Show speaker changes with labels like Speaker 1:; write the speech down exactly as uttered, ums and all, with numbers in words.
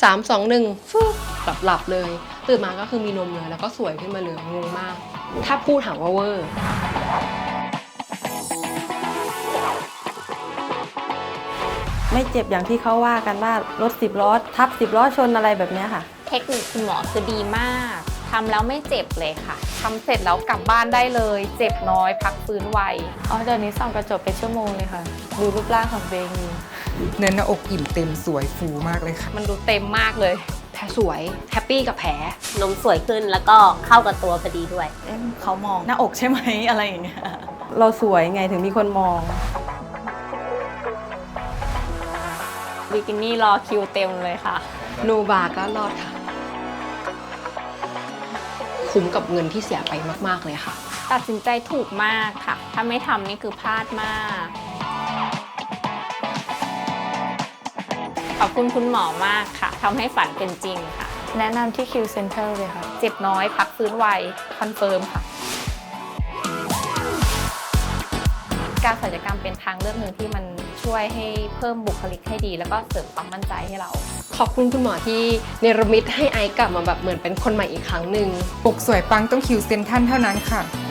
Speaker 1: สาม สอง หนึ่งฟึ๊บหลับหลับเลยตื่นมาก็คือมีนมเลยแล้วก็สวยขึ้นมาเลยงงมากถ้าพูดถามว่าเวอร์
Speaker 2: ไม่เจ็บอย่างที่เขาว่ากันว่ารถสิบล้อทับสิบล้อชนอะไรแบบนี้ค่ะ
Speaker 3: เทคนิคคุณหมอคือดีมากทำแล้วไม่เจ็บเลยค่ะ
Speaker 4: ทำเสร็จแล้วกลับบ้านได้เลย เจ็บน้อยพักฟื้นไว
Speaker 2: อ๋อเดี๋ยวนี้ส่องกระจกเป็นชั่วโมงเลยค่ะ ดูรูปร่างของตัวเองอยู่
Speaker 5: เนื้อหน้าอกอิ่มเต็มสวยฟูมากเลยค่ะ
Speaker 4: มันดูเต็มมากเลย
Speaker 1: แผลสวยแฮปปี้กับแผล
Speaker 6: นมสวยขึ้นแล้วก็เข้ากับตัวพอดีด้วย
Speaker 7: เอ๊ะเขามองหน้าอกใช่ไหม อะไรอย่างเงี้ย
Speaker 2: เราสวยไงถึงมีคนมอง
Speaker 3: บิกินี่รอคิวเต็มเลยค่ะ
Speaker 1: โนบาก็รอดค่ะ คุ้มกับเงินที่เสียไปมากๆเลยค่ะ
Speaker 3: ตัดสินใจถูกมากค่ะ ถ้าไม่ทำนี่คือพลาดมาก ขอบคุณคุณหมอมากค่ะทำให้ฝันเป็นจริงค่ะ
Speaker 2: แนะนำที่ Q Center เลยค่ะ
Speaker 4: เจ็บน้อยพักฟื้นไวคอนเฟิร์มค่ะ การศัลยกรรมเป็นทางเลือกหนึ่งที่มันช่วยให้เพิ่มบุคลิกให้ดี แล้วก็เสริมความมั่นใจให้เรา
Speaker 1: ขอบคุณคุณหมอที่เนรมิตให้ไอซ์กลับมาแบบเหมือนเป็นคนใหม่อีกครั้งหนึ่ง
Speaker 5: อกสวยปังต้องคิวเซนทันเท่านั้นค่ะ